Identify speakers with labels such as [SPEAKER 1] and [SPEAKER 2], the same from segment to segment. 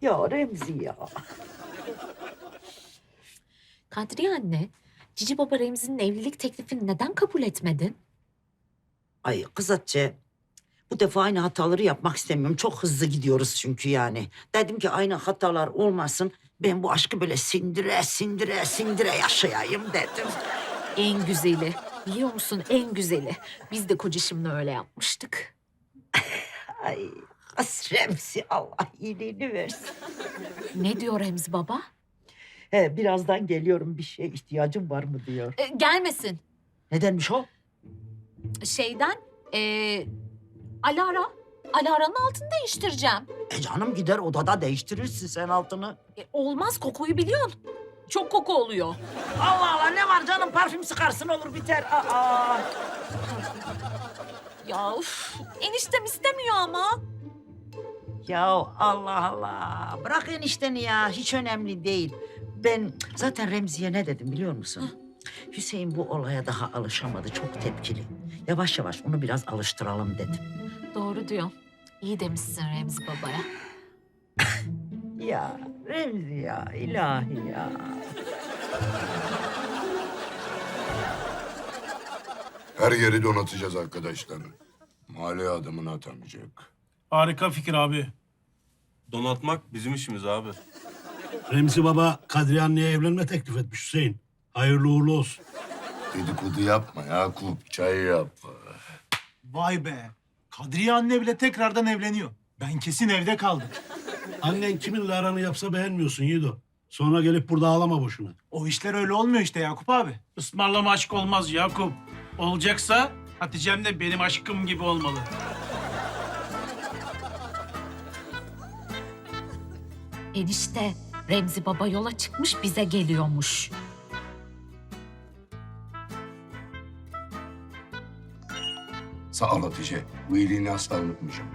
[SPEAKER 1] Ya Remzi ya.
[SPEAKER 2] Kadriye anne, Cici Baba Remzi'nin evlilik teklifini neden kabul etmedin?
[SPEAKER 1] Ay kız Hatice, bu defa aynı hataları yapmak istemiyorum. Çok hızlı gidiyoruz çünkü yani. Dedim ki aynı hatalar olmasın. Ben bu aşkı böyle sindire yaşayayım dedim.
[SPEAKER 2] En güzeli. Biliyor musun en güzeli. Biz de kocişimle öyle yapmıştık.
[SPEAKER 1] Ay kız Remzi, Allah iyiliğini versin.
[SPEAKER 2] Ne diyor Remzi baba?
[SPEAKER 1] He, birazdan geliyorum, bir şeye ihtiyacım var mı diyor.
[SPEAKER 2] Gelmesin.
[SPEAKER 1] Nedenmiş o?
[SPEAKER 2] Şeyden, Alara. Alara'nın altını değiştireceğim.
[SPEAKER 1] Canım gider odada değiştirirsin sen altını.
[SPEAKER 2] Olmaz, kokuyu biliyorsun. Çok koku oluyor.
[SPEAKER 1] Allah Allah, ne var canım, parfüm sıkarsın olur biter. Aa.
[SPEAKER 2] Ya uf, eniştem istemiyor ama.
[SPEAKER 1] Ya Allah Allah, bırak enişteni ya, hiç önemli değil. Ben zaten Remzi'ye ne dedim biliyor musun? Hüseyin bu olaya daha alışamadı, çok tepkili. Yavaş yavaş onu biraz alıştıralım dedim.
[SPEAKER 2] Doğru diyor. İyi demişsin Remzi babaya.
[SPEAKER 1] Ya Remzi ya, ilahi ya.
[SPEAKER 3] Her yeri donatacağız arkadaşlar. Mahalleye adamını atamayacak.
[SPEAKER 4] Harika fikir abi.
[SPEAKER 5] Donatmak bizim işimiz abi.
[SPEAKER 6] Remzi Baba Kadriye anneye evlenme teklif etmiş Hüseyin. Hayırlı uğurlu olsun.
[SPEAKER 3] Dedikodu yapma Yakup, çay yap.
[SPEAKER 4] Vay be. Kadriye anne bile tekrardan evleniyor. Ben kesin evde kaldım.
[SPEAKER 6] Annen kiminle aranı yapsa beğenmiyorsun Yiğido. Sonra gelip burada ağlama boşuna.
[SPEAKER 4] O işler öyle olmuyor işte Yakup abi. Ismarlama aşk olmaz Yakup. Olacaksa Hatice'm de benim aşkım gibi olmalı.
[SPEAKER 2] Enişte, Remzi baba yola çıkmış bize geliyormuş.
[SPEAKER 3] Sağ ol Hatice. Bu iyiliğini asla unutmayacağım.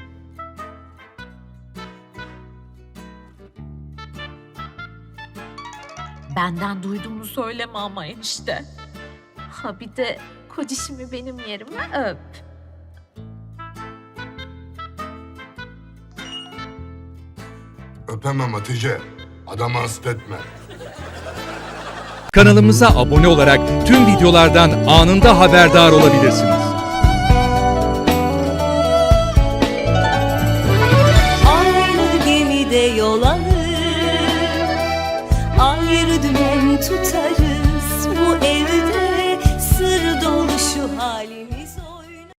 [SPEAKER 2] Benden duyduğunu söyleme ama enişte. Ha bir de kocişimi benim yerime öp.
[SPEAKER 3] Öpemem Hatice. Adamı hasta etme.
[SPEAKER 7] Kanalımıza abone olarak tüm videolardan anında haberdar olabilirsiniz.